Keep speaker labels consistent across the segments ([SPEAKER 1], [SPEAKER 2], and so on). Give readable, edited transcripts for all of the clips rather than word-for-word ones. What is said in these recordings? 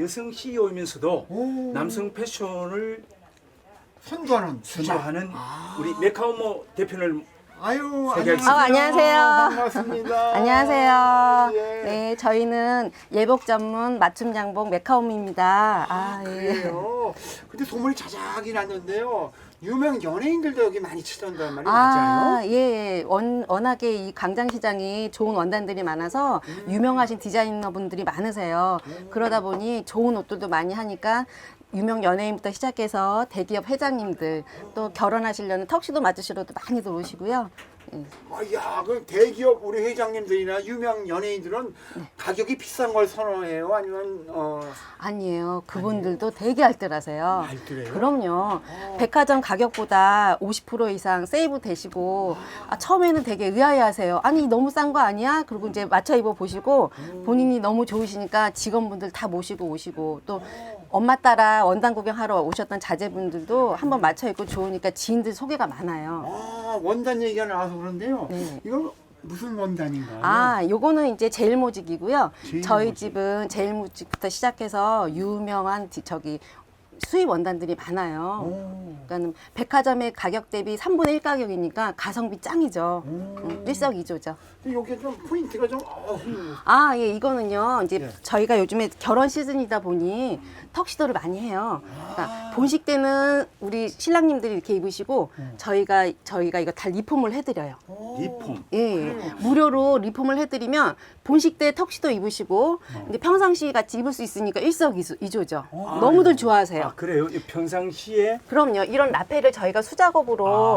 [SPEAKER 1] 여성 CEO이면서도
[SPEAKER 2] 오.
[SPEAKER 1] 남성 패션을
[SPEAKER 2] 선도하는
[SPEAKER 1] 주도하는 우리 메카오모 대표를
[SPEAKER 2] 아유,
[SPEAKER 1] 소개하겠습니다.
[SPEAKER 2] 안녕하세요.
[SPEAKER 3] 안녕하세요.
[SPEAKER 2] 반갑습니다.
[SPEAKER 3] 안녕하세요.
[SPEAKER 2] 예.
[SPEAKER 3] 네, 저희는 예복 전문 맞춤 양복 메카홈입니다.
[SPEAKER 2] 그래요. 근데 소문이 자작이 났는데요. 유명 연예인들도 여기 많이 찾아온다는 말이 맞아요?
[SPEAKER 3] 예. 워낙에 이 광장시장이 좋은 원단들이 많아서 유명하신 디자이너분들이 많으세요. 그러다 보니 좋은 옷들도 많이 하니까 유명 연예인부터 시작해서 대기업 회장님들 또 결혼하시려는 턱시도 맞으시러도 많이들 오시고요. 예.
[SPEAKER 2] 야, 그 대기업 우리 회장님들이나 유명 연예인들은 가격이 비싼 걸 선호해요? 아니면
[SPEAKER 3] 아니에요. 그분들도 되게 알뜰하세요.
[SPEAKER 2] 알뜰해요?
[SPEAKER 3] 그럼요. 백화점 가격보다 50% 이상 세이브 되시고 처음에는 되게 의아해하세요. 아니 너무 싼 거 아니야? 그리고 이제 맞춰 입어 보시고 본인이 너무 좋으시니까 직원분들 다 모시고 오시고 또 엄마 따라 원단 구경하러 오셨던 자제분들도 한번 맞춰 입고 좋으니까 지인들 소개가 많아요.
[SPEAKER 2] 원단 얘기가 나와서 그런데요.
[SPEAKER 3] 네.
[SPEAKER 2] 이건 무슨 원단인가요?
[SPEAKER 3] 요거는 이제 제일모직이고요. 저희
[SPEAKER 2] 제일모직.
[SPEAKER 3] 집은 제일모직부터 시작해서 유명한 수입 원단들이 많아요. 그러니까 백화점의 가격 대비 3분의 1 가격이니까 가성비 짱이죠. 일석이조죠.
[SPEAKER 2] 근데 여기 좀 포인트가 좀
[SPEAKER 3] 예, 이거는요. 이제
[SPEAKER 2] 예.
[SPEAKER 3] 저희가 요즘에 결혼 시즌이다 보니 턱시도를 많이 해요. 그러니까 본식 때는 우리 신랑님들이 이렇게 입으시고 저희가 이거 다 리폼을 해드려요.
[SPEAKER 1] 리폼.
[SPEAKER 3] 예, 무료로 리폼을 해드리면 본식 때 턱시도 입으시고 근데 평상시 같이 입을 수 있으니까 일석이조죠. 너무들 좋아하세요.
[SPEAKER 1] 아, 그래요? 이 평상시에
[SPEAKER 3] 그럼요. 이런 라페를 저희가 수작업으로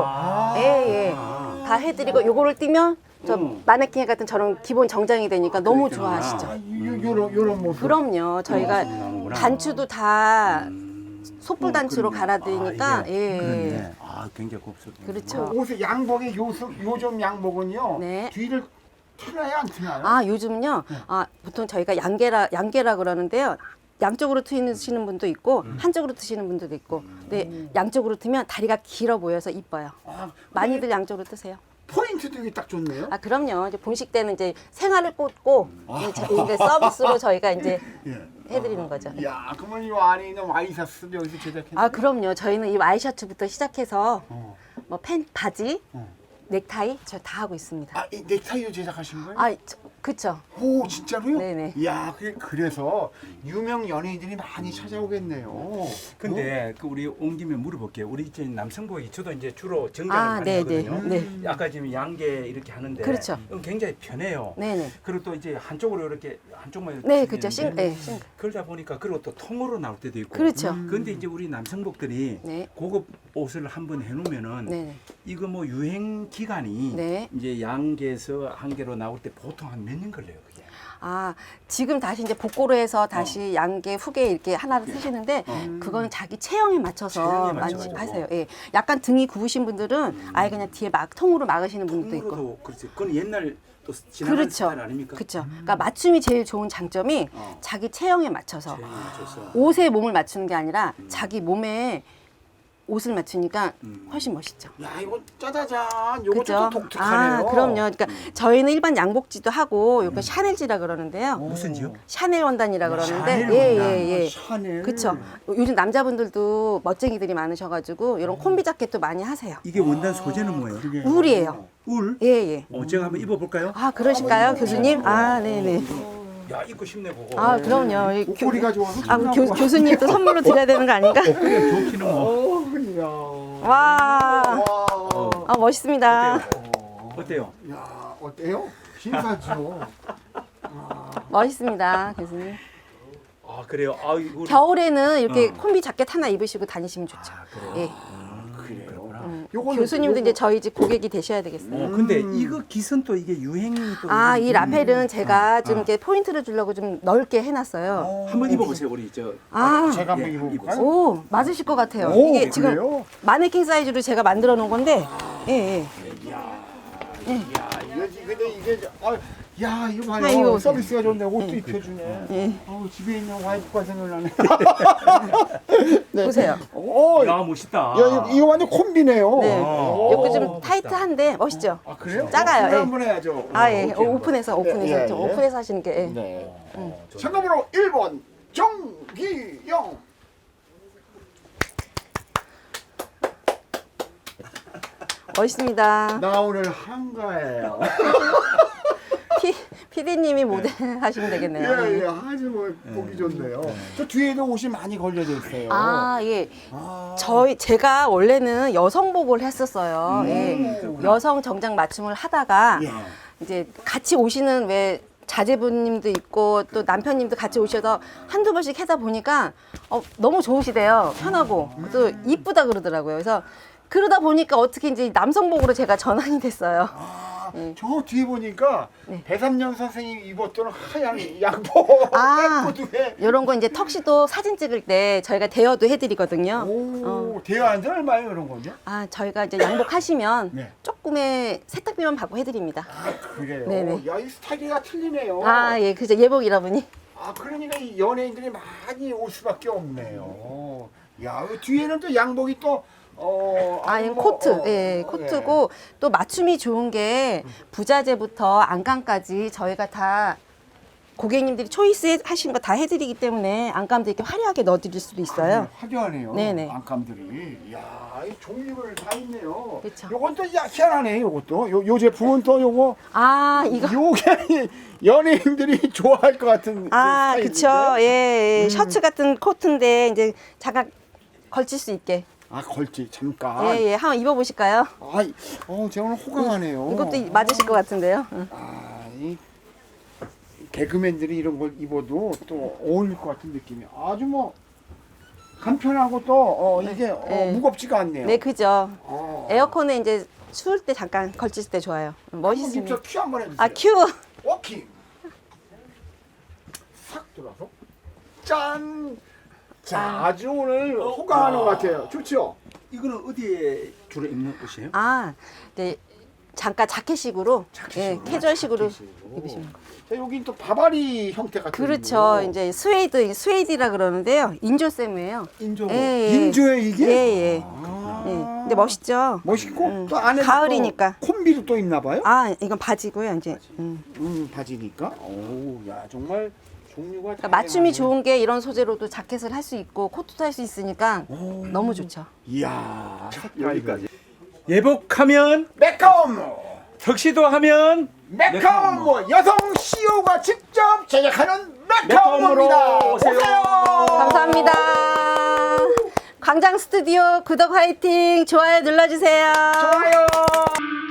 [SPEAKER 3] 다 해드리고 요거를 띄면 저 마네킹 같은 저런 기본 정장이 되니까 너무
[SPEAKER 1] 그랬구나.
[SPEAKER 3] 좋아하시죠.
[SPEAKER 2] 요런 모습.
[SPEAKER 3] 그럼요. 저희가
[SPEAKER 1] 나오는구나.
[SPEAKER 3] 단추도 다 소뿔 단추로 갈아드리니까
[SPEAKER 1] 그렇네. 아, 굉장히 곱슬.
[SPEAKER 3] 그렇죠.
[SPEAKER 2] 옷의 양복의 요즘 양복은요.
[SPEAKER 3] 네.
[SPEAKER 2] 뒤를 트나요, 안 트나요?
[SPEAKER 3] 요즘요. 보통 저희가 양계라 그러는데요. 양쪽으로 트시는 분도 있고 한쪽으로 트시는 분도 있고. 근데 양쪽으로 트면 다리가 길어 보여서 이뻐요. 많이들 양쪽으로 트세요.
[SPEAKER 2] 포인트도 이게 딱 좋네요.
[SPEAKER 3] 그럼요. 이제 본식 때는 이제 생활을 꽂고 이제 서비스로 저희가 이제
[SPEAKER 2] 예.
[SPEAKER 3] 해드리는 거죠.
[SPEAKER 2] 야, 그러면 이 안에 있는 와이셔츠도 여기서 제작했어요?
[SPEAKER 3] 그럼요. 저희는 이 와이셔츠부터 시작해서 뭐 바지, 넥타이 저 다 하고 있습니다.
[SPEAKER 2] 이 넥타이도 제작하신 거예요?
[SPEAKER 3] 그쵸.
[SPEAKER 2] 오, 진짜로요?
[SPEAKER 3] 네네.
[SPEAKER 2] 야, 그래서 유명 연예인들이 많이 찾아오겠네요.
[SPEAKER 1] 근데 그 우리 온 김에 물어볼게요. 우리 이제 남성복이 저도 이제 주로 정장을 많이
[SPEAKER 3] 네,
[SPEAKER 1] 하거든요.
[SPEAKER 3] 네.
[SPEAKER 1] 아까 지금 양계 이렇게 하는데
[SPEAKER 3] 그렇죠.
[SPEAKER 1] 이건 굉장히 편해요.
[SPEAKER 3] 네네.
[SPEAKER 1] 그리고 또 이제 한쪽으로 이렇게 한쪽만 이렇게
[SPEAKER 3] 네, 그렇죠.
[SPEAKER 1] 쓰는데
[SPEAKER 3] 싱글.
[SPEAKER 1] 그러다 보니까 그리고 또 통으로 나올 때도 있고.
[SPEAKER 3] 그렇죠.
[SPEAKER 1] 근데 이제 우리 남성복들이
[SPEAKER 3] 네.
[SPEAKER 1] 고급 옷을 한번 해놓으면은
[SPEAKER 3] 네네.
[SPEAKER 1] 이거 뭐 유행 기간이
[SPEAKER 3] 네.
[SPEAKER 1] 이제 양계에서 한 개로 나올 때 보통 한 몇 년 걸려요, 그게.
[SPEAKER 3] 지금 다시 이제 복고로 해서 다시 양계 후계 이렇게 하나를 쓰시는데 그거는 자기 체형에 맞춰서
[SPEAKER 1] 체형에
[SPEAKER 3] 많이
[SPEAKER 1] 맞춰가지고.
[SPEAKER 3] 하세요. 예. 약간 등이 굽으신 분들은 아예 그냥 뒤에 통으로 막으시는 분들도 있고.
[SPEAKER 1] 통으로도 그렇지. 그건 옛날 또 지나간
[SPEAKER 3] 그렇죠.
[SPEAKER 1] 스타일 아닙니까?
[SPEAKER 3] 그렇죠. 그러니까 맞춤이 제일 좋은 장점이 자기 체형에 맞춰서
[SPEAKER 1] 체형에 맞춰서.
[SPEAKER 3] 옷에 몸을 맞추는 게 아니라 자기 몸에 옷을 맞추니까 훨씬 멋있죠.
[SPEAKER 2] 야, 이거 짜자잔. 요거
[SPEAKER 3] 그죠?
[SPEAKER 2] 좀 독특하네요.
[SPEAKER 3] 그럼요. 그러니까 저희는 일반 양복지도 하고 요거 샤넬지라 그러는데요.
[SPEAKER 1] 무슨지요?
[SPEAKER 3] 샤넬 원단이라 그러는데
[SPEAKER 1] 샤넬 원단.
[SPEAKER 3] 예.
[SPEAKER 2] 샤넬.
[SPEAKER 3] 그렇죠. 요즘 남자분들도 멋쟁이들이 많으셔가지고 이런 콤비 자켓도 많이 하세요.
[SPEAKER 1] 이게 원단 소재는 뭐예요?
[SPEAKER 3] 울이에요.
[SPEAKER 1] 울?
[SPEAKER 3] 예.
[SPEAKER 1] 제가 한번 입어볼까요?
[SPEAKER 3] 그러실까요, 교수님? 네네.
[SPEAKER 1] 야, 입고 싶네 보고.
[SPEAKER 3] 그럼요. 이
[SPEAKER 2] 옷걸이가 좋아서
[SPEAKER 3] 교수님도 선물로 드려야 되는 거 아닌가?
[SPEAKER 1] 그냥 좋기는 뭐.
[SPEAKER 2] 야.
[SPEAKER 3] 와, 멋있습니다.
[SPEAKER 1] 어때요?
[SPEAKER 2] 야, 어때요? 신사죠.
[SPEAKER 3] 멋있습니다, 교수님.
[SPEAKER 1] 그래요? 이거
[SPEAKER 3] 겨울에는 이렇게 콤비 자켓 하나 입으시고 다니시면 좋죠. 예.
[SPEAKER 2] 그래요.
[SPEAKER 3] 교수님도 이제 저희 집 고객이 되셔야 되겠어요.
[SPEAKER 1] 근데 이거 기선 또 이게 유행이 또
[SPEAKER 3] 이 라펠은 제가 좀 이렇게 포인트를 주려고 좀 넓게 해놨어요.
[SPEAKER 1] 한번 입어보세요, 우리 저.
[SPEAKER 2] 제가 한번
[SPEAKER 1] 예,
[SPEAKER 2] 입어볼까요?
[SPEAKER 3] 오, 맞으실 것 같아요.
[SPEAKER 2] 오,
[SPEAKER 3] 이게 지금
[SPEAKER 2] 그래요?
[SPEAKER 3] 마네킹 사이즈로 제가 만들어 놓은 건데, 예.
[SPEAKER 2] 야, 근데 이게 야, 이거 봐요.
[SPEAKER 3] 이거
[SPEAKER 2] 서비스가 좋네. 옷도 입혀주네. 집에 있는 와이프가 생각나네.
[SPEAKER 3] 보세요.
[SPEAKER 1] 야, 멋있다.
[SPEAKER 2] 이거 완전 콤비네요.
[SPEAKER 3] 네.
[SPEAKER 1] 오,
[SPEAKER 3] 요거 좀
[SPEAKER 1] 멋있다.
[SPEAKER 3] 타이트한데 멋있죠?
[SPEAKER 2] 그래요?
[SPEAKER 3] 작아요.
[SPEAKER 2] 오픈을
[SPEAKER 3] 예.
[SPEAKER 2] 한번 해야죠.
[SPEAKER 3] 예. 오픈해서.
[SPEAKER 2] 예, 예.
[SPEAKER 3] 오픈해서 하시는 게. 예.
[SPEAKER 2] 네. 참고로 1번 정기영.
[SPEAKER 3] 멋있습니다.
[SPEAKER 2] 나 오늘 한가해요.
[SPEAKER 3] 피디님이 모델 하시면 되겠네요.
[SPEAKER 2] 예, 예, 아주 뭐 보기 좋네요. 저 뒤에도 옷이 많이 걸려져 있어요.
[SPEAKER 3] 아, 예. 제가 원래는 여성복을 했었어요. 예. 여성 정장 맞춤을 하다가
[SPEAKER 2] 예.
[SPEAKER 3] 이제 같이 오시는 왜 자제분님도 있고 또 남편님도 같이 오셔서 한두 번씩 하다 보니까 너무 좋으시대요. 편하고 또 이쁘다 그러더라고요. 그래서 그러다 보니까 어떻게 이제 남성복으로 제가 전환이 됐어요.
[SPEAKER 2] 저 뒤에 보니까
[SPEAKER 3] 네.
[SPEAKER 2] 배삼년 선생님 입었던 하얀 양복
[SPEAKER 3] 아,
[SPEAKER 2] 예쁘게.
[SPEAKER 3] 이런 거 이제 턱시도 사진 찍을 때 저희가 대여도 해드리거든요.
[SPEAKER 2] 오, 대여한 얼마예요, 그런 건요?
[SPEAKER 3] 아, 저희가 이제 양복 하시면
[SPEAKER 2] 네.
[SPEAKER 3] 조금의 세탁비만 받고 해드립니다.
[SPEAKER 2] 아, 그래요?
[SPEAKER 3] 네네.
[SPEAKER 2] 야, 이 스타일이가 틀리네요.
[SPEAKER 3] 아, 예, 그죠. 예복이라 보니.
[SPEAKER 2] 아, 그러니까 이 연예인들이 많이 올 수밖에 없네요. 야, 그 뒤에는 또 양복이 또
[SPEAKER 3] 이 코트, 예, 코트고 또 맞춤이 좋은 게 부자재부터 안감까지 저희가 다 고객님들이 초이스 하신 거 다 해드리기 때문에 안감도 이렇게 화려하게 넣어드릴 수도 있어요.
[SPEAKER 2] 화려하네요.
[SPEAKER 3] 네네.
[SPEAKER 2] 안감들이. 야, 이 종류를 다 있네요.
[SPEAKER 3] 그쵸.
[SPEAKER 2] 요건 또 희한하네. 요것도. 요 제품은 또 요거.
[SPEAKER 3] 아, 이거.
[SPEAKER 2] 요게 연예인들이 좋아할 것 같은.
[SPEAKER 3] 아,
[SPEAKER 2] 그
[SPEAKER 3] 그쵸.
[SPEAKER 2] 스타일인데?
[SPEAKER 3] 예, 셔츠 같은 코트인데 이제 잠깐 걸칠 수 있게.
[SPEAKER 2] 아, 걸치 잠깐.
[SPEAKER 3] 예, 예. 한번 입어보실까요?
[SPEAKER 2] 아, 제가 오늘 호강하네요.
[SPEAKER 3] 이것도 맞으실 것 같은데요. 응.
[SPEAKER 2] 아, 이 개그맨들이 이런 걸 입어도 또 어울릴 것 같은 느낌이. 아주 뭐 간편하고 또 이게
[SPEAKER 3] 네.
[SPEAKER 2] 무겁지가 않네요.
[SPEAKER 3] 네, 그죠.
[SPEAKER 2] 아.
[SPEAKER 3] 에어컨에 이제 추울 때 잠깐 걸칠 때 좋아요. 멋있습니다.
[SPEAKER 2] 저 큐 한번 해주세요.
[SPEAKER 3] 아, 큐.
[SPEAKER 2] 워킹. 싹 돌아서. 짠. 자, 아주 오늘 호강하는 것 같아요. 좋죠?
[SPEAKER 1] 이거는 어디에 주로 입는 옷이에요?
[SPEAKER 3] 아, 네. 잠깐 자켓식으로, 예, 캐주얼식으로
[SPEAKER 2] 자켓식으로.
[SPEAKER 3] 입으시면 돼요.
[SPEAKER 2] 자, 여긴 또 바바리 형태 같은
[SPEAKER 3] 그렇죠.
[SPEAKER 2] 거.
[SPEAKER 3] 이제 스웨이드라 그러는데요. 인조쌤이에요.
[SPEAKER 1] 인조.
[SPEAKER 3] 예, 예.
[SPEAKER 2] 인조에 이게?
[SPEAKER 3] 예, 예.
[SPEAKER 2] 아.
[SPEAKER 3] 예. 근데 멋있죠?
[SPEAKER 2] 멋있고 또 안에
[SPEAKER 3] 가을이니까.
[SPEAKER 2] 콤비도 또 있나 봐요?
[SPEAKER 3] 아, 이건 바지고요, 이제.
[SPEAKER 2] 바지니까. 오, 야, 정말 종류가
[SPEAKER 3] 그러니까 맞춤이
[SPEAKER 2] 다양하네.
[SPEAKER 3] 좋은 게 이런 소재로도 자켓을 할 수 있고 코트도 할 수 있으니까 너무 좋죠.
[SPEAKER 2] 이야,
[SPEAKER 1] 여기까지. 예복하면
[SPEAKER 2] 메카홈!
[SPEAKER 1] 턱시도 하면
[SPEAKER 2] 메카홈! 여성 CEO가 직접 제작하는
[SPEAKER 1] 메카홈으로
[SPEAKER 2] 메카홈입니다.
[SPEAKER 1] 오세요.
[SPEAKER 3] 감사합니다. 광장 스튜디오 구독 화이팅, 좋아요 눌러주세요.
[SPEAKER 2] 좋아요.